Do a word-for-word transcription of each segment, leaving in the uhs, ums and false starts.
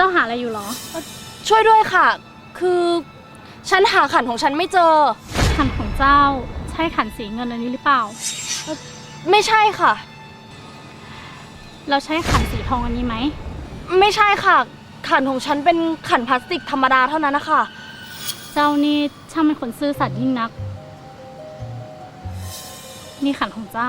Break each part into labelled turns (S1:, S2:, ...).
S1: าหาอะไรอยู่หรอ
S2: ช่วยด้วยค่ะ คือฉันหาขันของฉันไม่เจอ
S1: ขันของเจ้าใช่ขันสีเงินอันนี้หรือเปล่า
S2: ไม่ใช่ค่ะ
S1: เราใช้ขันสีทองอันนี้ไหม
S2: ไม่ใช่ค่ะขันของฉันเป็นขันพลาสติกธรรมดาเท่านั้นนะคะ
S1: เจ้านี่ช่างเป็นคนซื่อสัตย์ยิ่งนักนี่ขันของเจ้า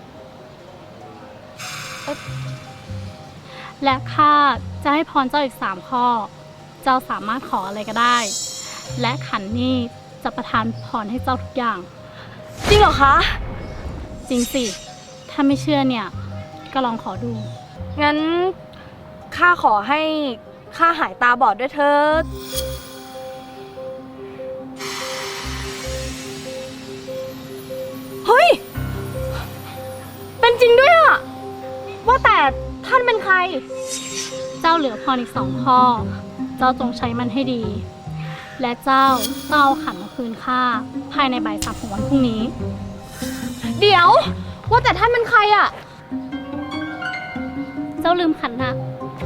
S1: และข้าจะให้พรเจ้าอีกสามข้อเจ้าสามารถขออะไรก็ได้และขันนี้จะประทานพรให้เจ้าทุกอย่าง
S2: จริงเหรอคะ
S1: จริงสิถ้าไม่เชื่อเนี่ยก็ลองขอดู
S2: งั้นข้าขอให้ข้าหายตาบอดด้วยเถิดเฮ้ยเป็นจริงด้วยอะว่าแต่ท่านเป็นใคร
S1: เจ้าเหลือพรอีกสองข้อเจ้าจงใช้มันให้ดีและเจ้าต้องเอาขันมาคืนข้าภายในบ่ายสามของวันพรุ่งนี้
S2: เดี๋ยวว่าแต่ท่านเป็นใครอะ
S1: เจ้าลืมขันนะ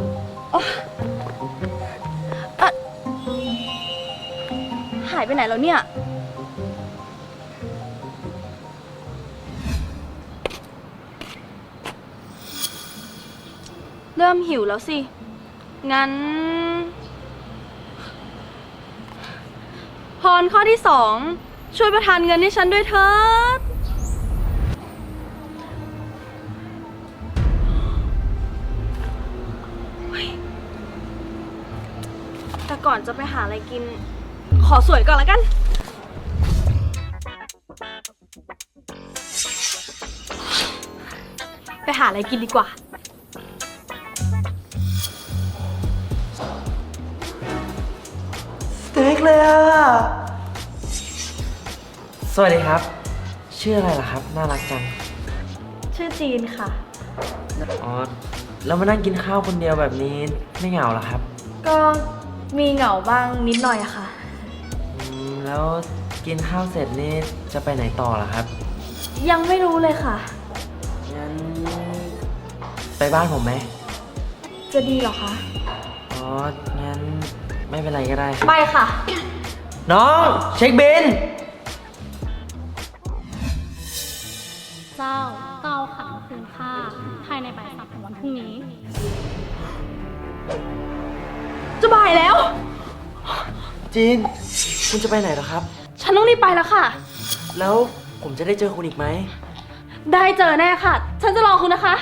S2: หายไปไหนแล้วเนี่ยเริ่มหิวแล้วสิงั้นพรข้อที่สองช่วยประทานเงินให้ฉันด้วยเถิดแต่ก่อนจะไปหาอะไรกินขอสวยก่อนละกันไปหาอะไรกินดีกว่า
S3: สเต็กเลยอ่ะสวัสดีครับชื่ออะไรล่ะครับน่ารักจัง
S2: ชื่อจีนค่ะ
S3: อ๋อแล้วมานั่งกินข้าวคนเดียวแบบนี้ไม่เหงาเหรอครับ
S2: ก็มีเหงาบ้างนิดหน่อยอะค่ะ
S3: แล้วกินข้าวเสร็จนี่จะไปไหนต่อล่ะครับ
S2: ยังไม่รู้เลยค่ะ
S3: งั้นไปบ้านผมไหม
S2: จะดีเหรอคะ
S3: อ๋องั้นไม่เป็นไรก็ได้
S2: ไปค่ะ
S3: น้องเช็คบิล
S1: เจ้าเต้าขันมาคืนข้าภายในบ่ายสามของวันพรุ่งนี้
S2: จะบ่ายแล้ว
S3: จีนคุณจะไปไหนเหรอครับ
S2: ฉันต้องรีบไปแล้วค่ะ
S3: แล้วผมจะได้เจอคุณอีกไหม
S2: ได้เจอแน่ค่ะฉันจะรอคุณนะคะ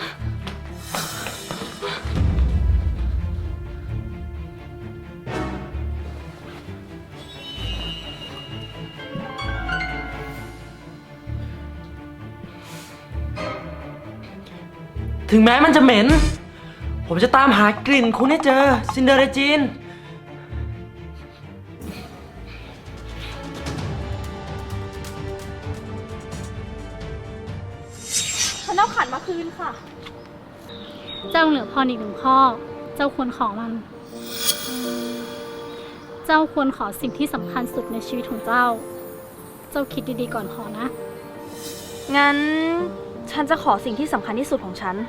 S3: ถึงแม้มันจะเหม็นผมจะตามหากลิ่นคุณให้เจอซินเดอเรจีน
S2: ฉันเอาขันมาคืนค่ะ
S1: เจ้าเหลือพรอีกหนึ่งข้อเจ้าควรขอมันเจ้าควรขอสิ่งที่สำคัญสุดในชีวิตของเจ้าเจ้าคิดดีๆก่อนขอนะ
S2: งั้นฉันจะขอสิ่งที่สำคัญที่สุดของฉัน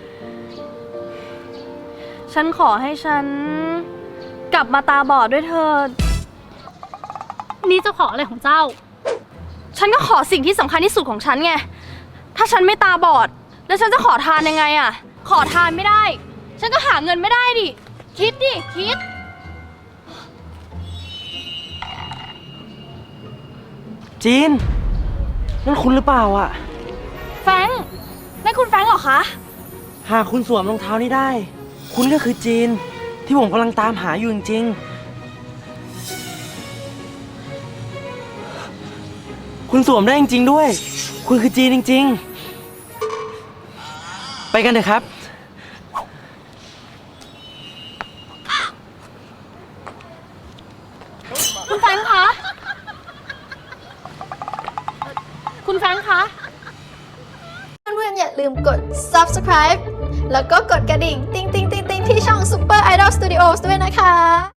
S2: ฉันขอให้ฉันกลับมาตาบอดด้วยเถิด
S1: นี่เจ้าขออะไรของเจ้า
S2: ฉันก็ขอสิ่งที่สำคัญที่สุดของฉันไงถ้าฉันไม่ตาบอดแล้วฉันจะขอทานยังไงอะขอทานไม่ได้ฉันก็หาเงินไม่ได้ดิคิดดิคิด
S3: จีนนั่นคุณหรือเปล่าอะ
S2: แฟรงค์นั่นคุณแฟรงค์เหรอคะ
S3: หากคุณสวมรองเท้านี้ได้คุณก็คือจีนที่ผมกำลังตามหาอยู่จริงๆคุณสวมได้จริงๆด้วยคุณคือจีนจริงๆไปกันเถอะครับ
S2: คุณแฟรงค์คะคุณแฟรงค์คะ
S4: เพื่อนๆอย่าลืมกด ซับสไครบ์ แล้วก็กดกระดิ่ง ติ๊งติ๊งติ๊งติ๊งที่ช่อง Super Idol Studios ด้วยนะคะ